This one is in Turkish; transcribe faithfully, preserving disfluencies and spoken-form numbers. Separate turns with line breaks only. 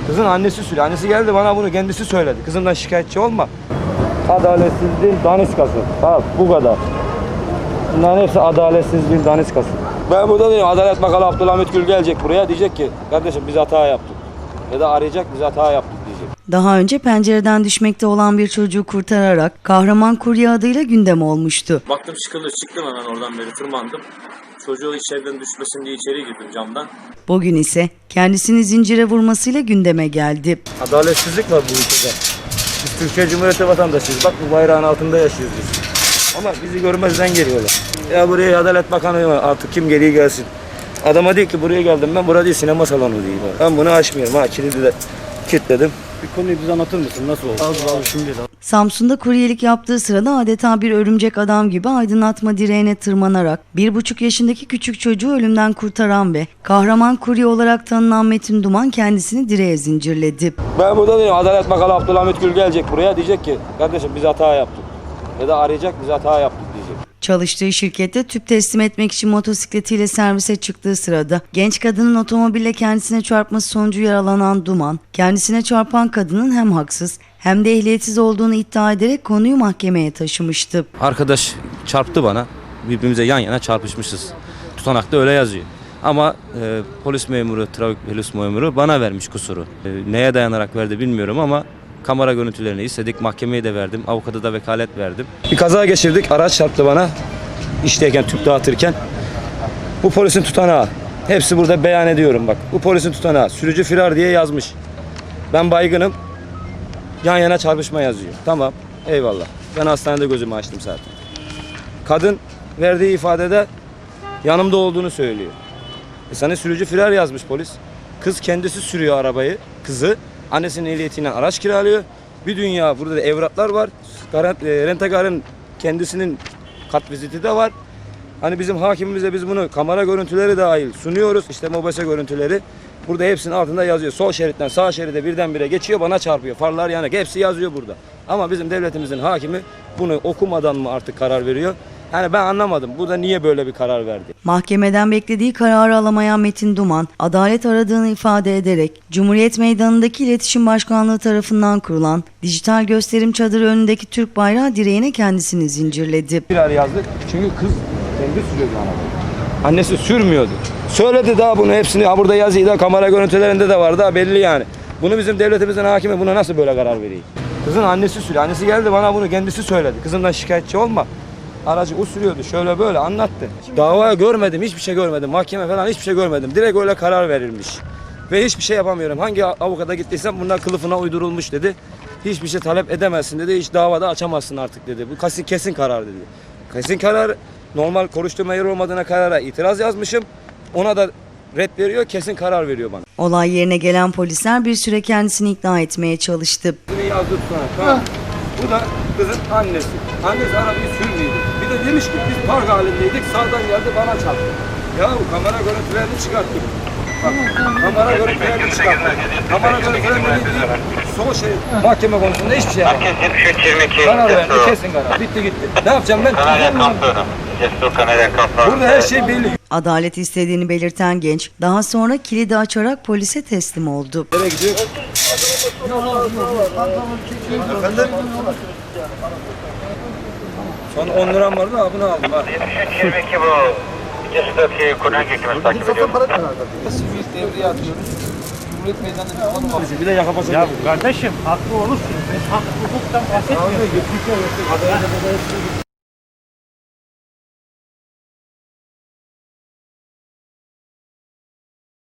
Kızın annesi sürüyor. Annesi geldi bana bunu kendisi söyledi. Kızımdan şikayetçi olma. Adaletsizliğin daniskası. Bak bu kadar. Bunların hepsi adaletsizliğin daniskası. Ben burada değilim. Adalet Bakanı Abdülhamit Gül gelecek buraya. Diyecek ki kardeşim biz hata yaptık. Ya da arayacak biz hata yaptık diyecek.
Daha önce pencereden düşmekte olan bir çocuğu kurtararak Kahraman Kurye adıyla gündem olmuştu.
Baktım sıkılır, çıktım hemen oradan beri tırmandım. Çocuğu içeriden düşmesin diye içeri girdim camdan.
Bugün ise kendisini zincire vurmasıyla gündeme geldi.
Adaletsizlik var bu ülkede. Biz Türkiye Cumhuriyeti vatandaşıyız. Bak bu bayrağın altında yaşıyoruz biz. Ama bizi görmezden geliyorlar. Ya buraya Adalet Bakanı var. Artık kim geliyor gelsin. Adama değil ki buraya geldim ben. Burada değil sinema salonu değil. Ben bunu açmıyorum. Ha kilidi de kilitledim. Bir konuyu bize anlatır mısın? Nasıl oldu? Az abi şimdi de.
Samsun'da kuryelik yaptığı sırada adeta bir örümcek adam gibi aydınlatma direğine tırmanarak bir buçuk yaşındaki küçük çocuğu ölümden kurtaran ve Kahraman Kurye olarak tanınan Metin Duman kendisini direğe zincirledi.
Ben burada değilim. Adalet Bakanı Abdülhamit Gül gelecek buraya. Diyecek ki kardeşim biz hata yaptık. Ya da arayacak biz hata yaptık diyecek.
Çalıştığı şirkette tüp teslim etmek için motosikletiyle servise çıktığı sırada genç kadının otomobille kendisine çarpması sonucu yaralanan Duman, kendisine çarpan kadının hem haksız hem de ehliyetsiz olduğunu iddia ederek konuyu mahkemeye taşımıştı.
Arkadaş çarptı bana. Birbirimize yan yana çarpışmışız. Tutanakta öyle yazıyor. Ama e, polis memuru, trafik polis memuru bana vermiş kusuru. E, neye dayanarak verdi bilmiyorum ama kamera görüntülerini istedik. Mahkemeye de verdim. Avukata da vekalet verdim.
Bir kaza geçirdik. Araç çarptı bana. İşteyken, tüp dağıtırken. Bu polisin tutanağı. Hepsi burada beyan ediyorum bak. Bu polisin tutanağı. Sürücü firar diye yazmış. Ben baygınım. Yan yana çarpışma yazıyor. Tamam. Eyvallah. Ben hastanede gözümü açtım zaten. Kadın verdiği ifadede yanımda olduğunu söylüyor. E sana sürücü firar yazmış polis. Kız kendisi sürüyor arabayı. Kızı annesinin ehliyetiyle araç kiralıyor. Bir dünya burada da evraklar var. Rentakarın kendisinin kat viziti de var. Hani bizim hakimimize biz bunu kamera görüntüleri dahil sunuyoruz. İşte mobese görüntüleri. Burada hepsinin altında yazıyor. Sol şeritten sağ şeride birdenbire geçiyor bana çarpıyor. Farlar yanık. Hepsi yazıyor burada. Ama bizim devletimizin hakimi bunu okumadan mı artık karar veriyor? Yani ben anlamadım. Bu da niye böyle bir karar verdi?
Mahkemeden beklediği kararı alamayan Metin Duman, adalet aradığını ifade ederek Cumhuriyet Meydanı'ndaki İletişim Başkanlığı tarafından kurulan dijital gösterim çadırı önündeki Türk bayrağı direğine kendisini zincirledi.
Firar yazdık. Çünkü kız kendi sürüyordu arabayı. Annesi sürmüyordu. Söyledi daha bunu hepsini. Ha burada yazıyı da kamera görüntülerinde de var daha belli yani. Bunu bizim devletimizin hakimi buna nasıl böyle karar veriyor? Kızın annesi sürüyor. Annesi geldi bana bunu kendisi söyledi. Kızımdan şikayetçi olma. Aracı o sürüyordu. Şöyle böyle anlattı. Dava görmedim. Hiçbir şey görmedim. Mahkeme falan hiçbir şey görmedim. Direkt öyle karar verilmiş. Ve hiçbir şey yapamıyorum. Hangi avukata gittiysem bunlar kılıfına uydurulmuş dedi. Hiçbir şey talep edemezsin dedi. Hiç davada açamazsın artık dedi. Bu kesin, kesin karar dedi. Kesin karar. Normal konuşturma yeri olmadığına karara itiraz yazmışım. Ona da red veriyor. Kesin karar veriyor bana.
Olay yerine gelen polisler bir süre kendisini ikna etmeye çalıştı.
Yazdı sana. Tamam. Bu da kızın annesi. Annesi arabayı sürmüyordu. Bir de demiş ki biz park halindeydik. Sağdan geldi bana çarptı. Ya bu kamera görüntülerini çıkarttım. Bak, kamera görüntülerini çıkarttım. Kamera görüntülerini değil. Sol şey mahkeme konusunda hiçbir şey yapmadım. Karar verdi. Kesin karar. Bitti gitti. Ne yapacağım ben? Burada her şey belli.
Adalet istediğini belirten genç daha sonra kilidi açarak polise teslim oldu.
Nereye gidiyor? Efendim? Son on liram vardı ha bunu aldım ha.
yetmiş üç yirmi iki bu. Cesurdaki Kur'an hükümeti takip ediyor.
Sivil devreye atıyoruz. Cumhuriyet Meydanı'nda bir de yaka pasajı.
Ya kardeşim haklı olursun. Biz hak hukuktan bahsetmiyoruz.